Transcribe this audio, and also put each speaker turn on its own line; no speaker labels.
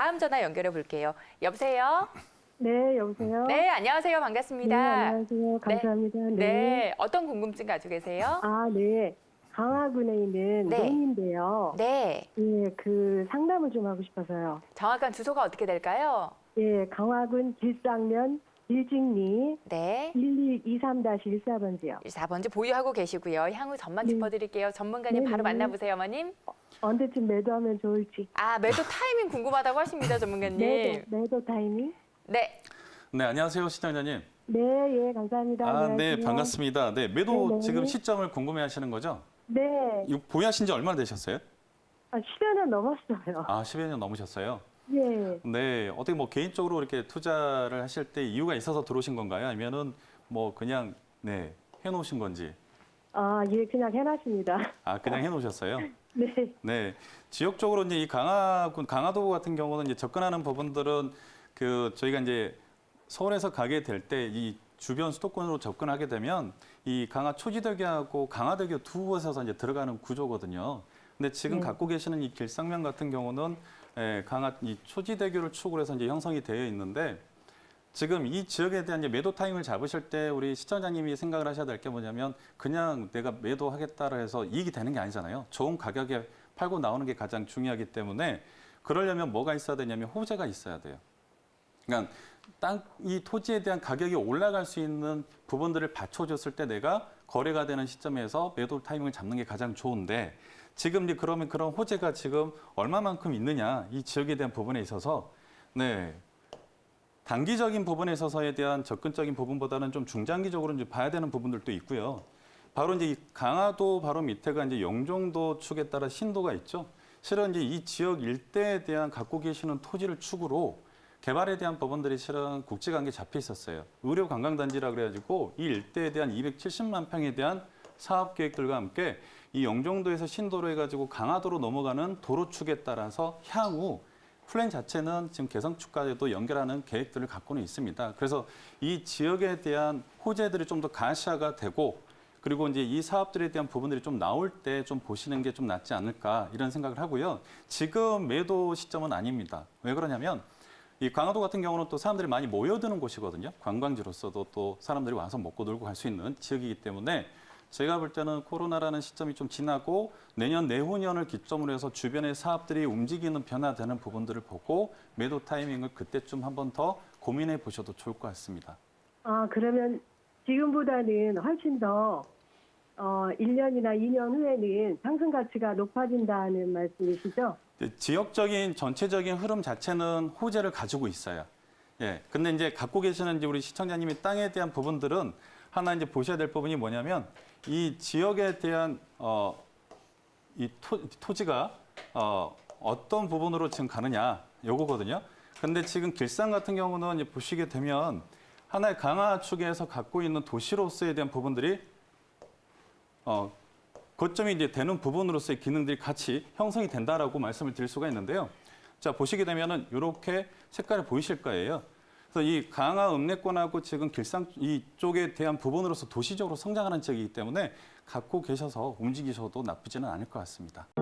다음 전화 연결해 볼게요. 여보세요?
네, 여보세요?
네, 안녕하세요. 반갑습니다.
네, 안녕하세요. 감사합니다. 네.
네, 어떤 궁금증 가지고 계세요?
아, 네. 강화군에 있는
네.
논인데요.
네,
예, 그 상담을 좀 하고 싶어서요.
정확한 주소가 어떻게 될까요?
예, 강화군 길상면 길직리
네,
1123-14번지요.
4번지 보유하고 계시고요. 향후 전만
네.
짚어드릴게요. 전문가님
네,
바로
네.
만나보세요, 어머님.
언제쯤 매도하면 좋을지.
아, 매도 타이밍 궁금하다고 하십니다, 전문가님.
매도 타이밍?
네,
네, 안녕하세요, 시청자님.
네, 예, 감사합니다.
네,
안녕하세요.
반갑습니다. 네, 매도
네, 네.
지금 시점을 궁금해하시는 거죠?
네,
이거 보유하신 지 얼마나 되셨어요?
10여년 넘었어요.
10여 년 넘으셨어요.
예.
네, 어떻게 뭐 개인적으로 이렇게 투자를 하실 때 이유가 있어서 들어오신 건가요? 아니면은 뭐 그냥 네, 해놓으신 건지?
아, 예, 그냥 해놨습니다.
그냥 해놓으셨어요?
네.
네, 지역적으로 이제 이 강화도 같은 경우는 이제 접근하는 부분들은 저희가 이제 서울에서 가게 될 때 이 주변 수도권으로 접근하게 되면 이 강화 초지대교하고 강화대교 두 곳에서 이제 들어가는 구조거든요. 근데 지금
네.
갖고 계시는 이 길상면 같은 경우는 이 초지대교를 축으로 해서 이제 형성이 되어 있는데 지금 이 지역에 대한 이제 매도 타임을 잡으실 때 우리 시청자님이 생각을 하셔야 될 게 뭐냐면 그냥 내가 매도하겠다라 해서 이익이 되는 게 아니잖아요. 좋은 가격에 팔고 나오는 게 가장 중요하기 때문에 그러려면 뭐가 있어야 되냐면 호재가 있어야 돼요. 그러니까 이 토지에 대한 가격이 올라갈 수 있는 부분들을 받쳐줬을 때 내가 거래가 되는 시점에서 매도 타이밍을 잡는 게 가장 좋은데 지금 이제 그러면 그런 호재가 지금 얼마만큼 있느냐 이 지역에 대한 부분에 있어서 네. 단기적인 부분에 있어서에 대한 접근적인 부분보다는 좀 중장기적으로 이제 봐야 되는 부분들도 있고요. 바로 이제 이 강화도 바로 밑에가 이제 영종도 축에 따라 신도가 있죠. 실은 이제 이 지역 일대에 대한 갖고 계시는 토지를 축으로 개발에 대한 부분들이 실은 국제관계 잡혀 있었어요. 의료관광단지라 그래가지고 이 일대에 대한 270만 평에 대한 사업 계획들과 함께 이 영종도에서 신도로 해가지고 강화도로 넘어가는 도로축에 따라서 향후 플랜 자체는 지금 개성축까지도 연결하는 계획들을 갖고는 있습니다. 그래서 이 지역에 대한 호재들이 좀 더 가시화가 되고 그리고 이제 이 사업들에 대한 부분들이 좀 나올 때 좀 보시는 게 좀 낫지 않을까 이런 생각을 하고요. 지금 매도 시점은 아닙니다. 왜 그러냐면 이 강화도 같은 경우는 또 사람들이 많이 모여드는 곳이거든요. 관광지로서도 또 사람들이 와서 먹고 놀고 갈 수 있는 지역이기 때문에 제가 볼 때는 코로나라는 시점이 좀 지나고 내년, 내후년을 기점으로 해서 주변의 사업들이 움직이는 변화되는 부분들을 보고 매도 타이밍을 그때쯤 한 번 더 고민해 보셔도 좋을 것 같습니다.
아, 그러면 지금보다는 훨씬 더 1년이나 2년 후에는 상승 가치가 높아진다는 말씀이시죠?
지역적인 전체적인 흐름 자체는 호재를 가지고 있어요. 예. 근데 이제 갖고 계시는 이제 우리 시청자님이 땅에 대한 부분들은 하나 이제 보셔야 될 부분이 뭐냐면 이 지역에 대한 이 토지가 어떤 부분으로 지금 가느냐 요거거든요. 근데 지금 길상 같은 경우는 이제 보시게 되면 하나의 강화 축에서 갖고 있는 도시로서에 대한 부분들이 거점이 이제 되는 부분으로서의 기능들이 같이 형성이 된다라고 말씀을 드릴 수가 있는데요. 자, 보시게 되면은 이렇게 색깔이 보이실 거예요. 그래서 이 강화 읍내권하고 지금 길상 이쪽에 대한 부분으로서 도시적으로 성장하는 지역이기 때문에 갖고 계셔서 움직이셔도 나쁘지는 않을 것 같습니다.